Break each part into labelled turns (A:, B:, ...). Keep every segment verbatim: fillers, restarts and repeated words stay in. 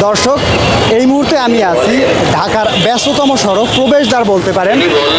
A: দর্শক, এই মুহূর্তে আমি আছি ঢাকার ব্যস্ততম সড়ক প্রবেশদ্বার বলতে পারেন,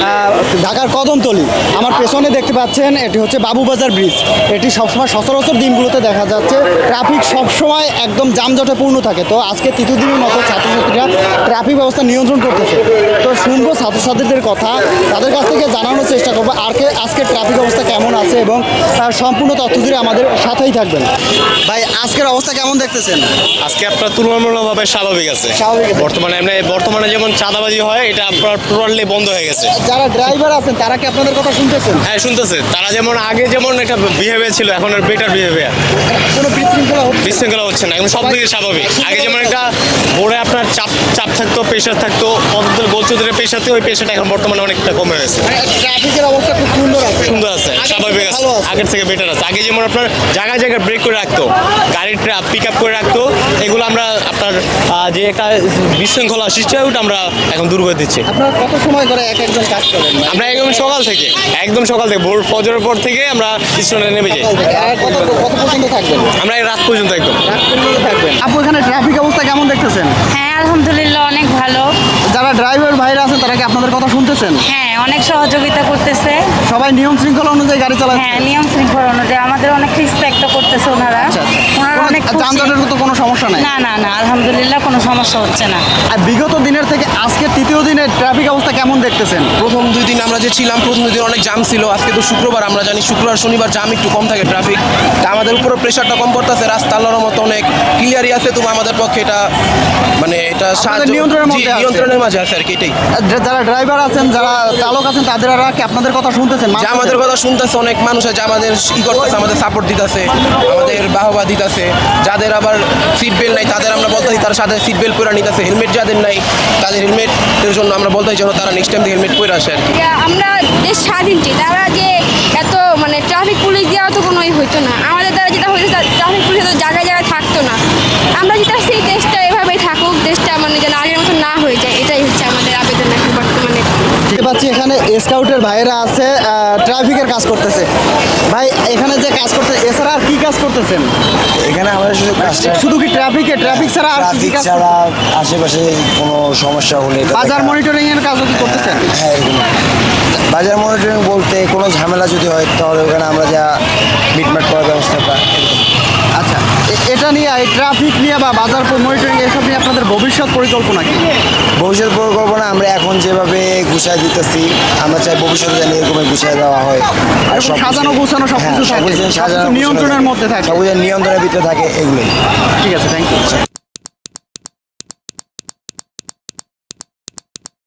A: ঢাকার কদমতলী। আমার পেছনে দেখতে পাচ্ছেন এটি হচ্ছে বাবুবাজার ব্রিজ। এটি সবসময় সচরাচর দিনগুলোতে দেখা যাচ্ছে ট্রাফিক সবসময় একদম যানজটে পূর্ণ থাকে। তো আজকে তৃতীয় দিনের মতো ছাত্রছাত্রীরা ট্রাফিক ব্যবস্থা নিয়ন্ত্রণ করতেছে। তো শুনবো ছাত্রছাত্রীদের কথা, তাদের কাছ থেকে জানানোর চেষ্টা করবো আর কে আজকে ট্রাফিক অবস্থা কেমন আছে এবং সম্পূর্ণ তথ্য জুড়ে আমাদের সাথেই থাকবেন। ভাই, আজকের অবস্থা কেমন দেখতেছেন?
B: আজকে আপনার তুলনামূলকভাবে স্বাভাবিক আছে।
A: স্বাভাবিক আছে।
B: বর্তমানে এমনি বর্তমানে যেমন চাঁদাবাজি হয়, এটা আপনার টোটালি বন্ধ হয়ে গেছে।
A: যারা ড্রাইভার আছেন তারা কি আপনাদের কথা শুনতেছেন?
B: হ্যাঁ, শুনতেছে। তারা যেমন আগে যেমন একটা বিহেভিয়ার ছিল, এখন আর বেটার বিহেভিয়ার।
A: কোনো বিশৃঙ্খলা হচ্ছে?
B: বিশৃঙ্খলা হচ্ছে না, এখন সব দিকে স্বাভাবিক। আগে যেমন একটা বোর্ডে আপনার চাপ চাপ থাকতো, প্রেশার থাকতো, পদ্মদের গোলচৌধুরীর পেশা থাকতো, ওই পেশাটা এখন বর্তমানে অনেকটা কমে গেছে।
A: ট্রাফিকের অবস্থা খুব সুন্দর আছে।
B: সুন্দর আছে, স্বাভাবিক আছে, আগের থেকে বেটার আছে। আগে যেমন আপনার জায়গায় জায়গায় ব্রেক করে রাখতো, গাড়ির পিক আপ করে রাখতো, এগুলো আমরা আপনার যে একটা বিশৃঙ্খলা সৃষ্টি হয় ওটা আমরা এখন দূর করে দিচ্ছি।
A: আপনারা কত সময় করে এক একজন কাজ করেন?
B: আমরা একদম সকাল থেকে একদম সকাল থেকে ভোর ফজরের পর থেকে আমরা স্টেশনে নেমে যাই।
A: আর কত কত পর্যন্ত থাকবেন?
B: আমরা এই রাত পর্যন্ত একদম
A: রাত পর্যন্ত থাকবেন। আপু, এখানে ট্রাফিক অবস্থা কেমন দেখতেছেন?
C: হ্যাঁ, আলহামদুলিল্লাহ অনেক ভালো।
A: যারা ড্রাইভার ভাইরা আছেন তারা কি আপনাদের কথা শুনতেছেন?
C: হ্যাঁ, অনেক সহযোগিতা করতেছে।
A: সবাই নিয়ম শৃঙ্খলা অনুযায়ী গাড়ি চালাচ্ছে?
C: হ্যাঁ, নিয়ম শৃঙ্খলা অনুযায়ী আমাদের অনেক রেসপেক্ট করতেছে ওনারা। ওনারা অনেক খুশি।
A: যানজটের তো কোনো সমস্যা নাই?
C: না না না, আলহামদুলিল্লাহ কোনো সমস্যা হচ্ছে না।
A: আর বিগত দিনের থেকে আজকে তৃতীয় দিনের ট্রাফিক অবস্থা কেমন দেখতেছেন?
D: প্রথম দুই দিন আমরা যে ছিলাম, প্রথম দুই দিন অনেক জাম ছিল। আজকে তো শুক্রবার, আমরা জানি শুক্রবার শনিবার জাম একটু কম থাকে ট্রাফিক। তা আমাদের উপরে প্রেশারটা কম পড়তেছে, রাস্তা আল্লাহর মতো অনেক ক্লিয়ারই আছে। তবু আমাদের পক্ষে এটা মানে এটা সাহায্য
A: নিয়ন্ত্রণের মধ্যে আছে।
D: নিয়ন্ত্রণের মাঝে আছে আর কি, এটাই।
A: যারা ড্রাইভার আছেন, যারা চালক আছেন, তাদের কি আপনাদের কথা শুনতেছেন?
D: যে আমাদের কথা শুনতেছে, অনেক মানুষ আছে আমাদের ই করতেছে, আমাদের সাপোর্ট দিতেছে, আমাদের বাহবা দিতেছে। যাদের আবার সিট বেল্ট নাই তাদের আমরা বলতেছি তার সাথে সিট বেল্ট পরে নিতেছে। হেলমেট যাদের নাই তাদের হেলমেটের জন্য আমরা বলতেছি যেন তারা নেক্সট টাইম হেলমেট পরে আসে আর কি।
E: আমরা দেশ স্বাধীনটি তারা যে এত মানে ট্রাফিক পুলিশ দেওয়া তো কোনোই হইতো না। আমাদের দ্বারা যেটা হইতো ট্রাফিক পুলিশ তো জায়গায় জায়গায় থাকতো না। আমরা যেটা সেই দেশটা এভাবেই থাকুক, দেশটা মানে যেন আগের মতো না হয়ে যায়, এটাই হচ্ছে আমাদের আবেদন এখন বর্তমানে।
A: দেখতে পাচ্ছি এখানে স্কাউটের ভাইয়েরা আছে, ট্রাফিকের কাজ করতেছে। ভাই, এখানে যে কাজ করতে এছাড়া আর কি কাজ করতেছেন?
F: এখানে আমাদের শুধু কাজটা
A: শুধু কি ট্রাফিকে ট্রাফিক ছাড়া আর কি
F: ট্রাফিক
A: কাজ?
F: ছাড়া আশেপাশে কোনো সমস্যা হলে এটা
A: বাজার
F: দেখা-
A: মনিটরিং এর কাজও কি করতেছেন?
F: হ্যাঁ, এরকম। বাজার মনিটরিং বলতে কোনো ঝামেলা যদি হয় তাহলে ওখানে আমরা যা মিটমাট করার ব্যবস্থাটা।
A: আচ্ছা, এ- এটা নিয়ে এই ট্রাফিক নিয়ে বা বাজার মনিটরিং এসব নিয়ে আপনাদের ভবিষ্যৎ পরিকল্পনা কি?
F: ভবিষ্যৎ পরিকল্পনা আমরা এখন যেভাবে গুছাই দিতেছি, আমরা চাই ভবিষ্যতে যেন এরকমই গুছাই দেওয়া হয়। আর
A: এরকম
F: সব
A: সাজানো গোছানো সবকিছু থাকে,
F: সাজানো
A: সবকিছু নিয়ন্ত্রণের মধ্যে থাকে।
F: সবকিছু নিয়ন্ত্রণের ভিতরে থাকে, এগুলোই।
A: ঠিক আছে, থ্যাংক ইউ।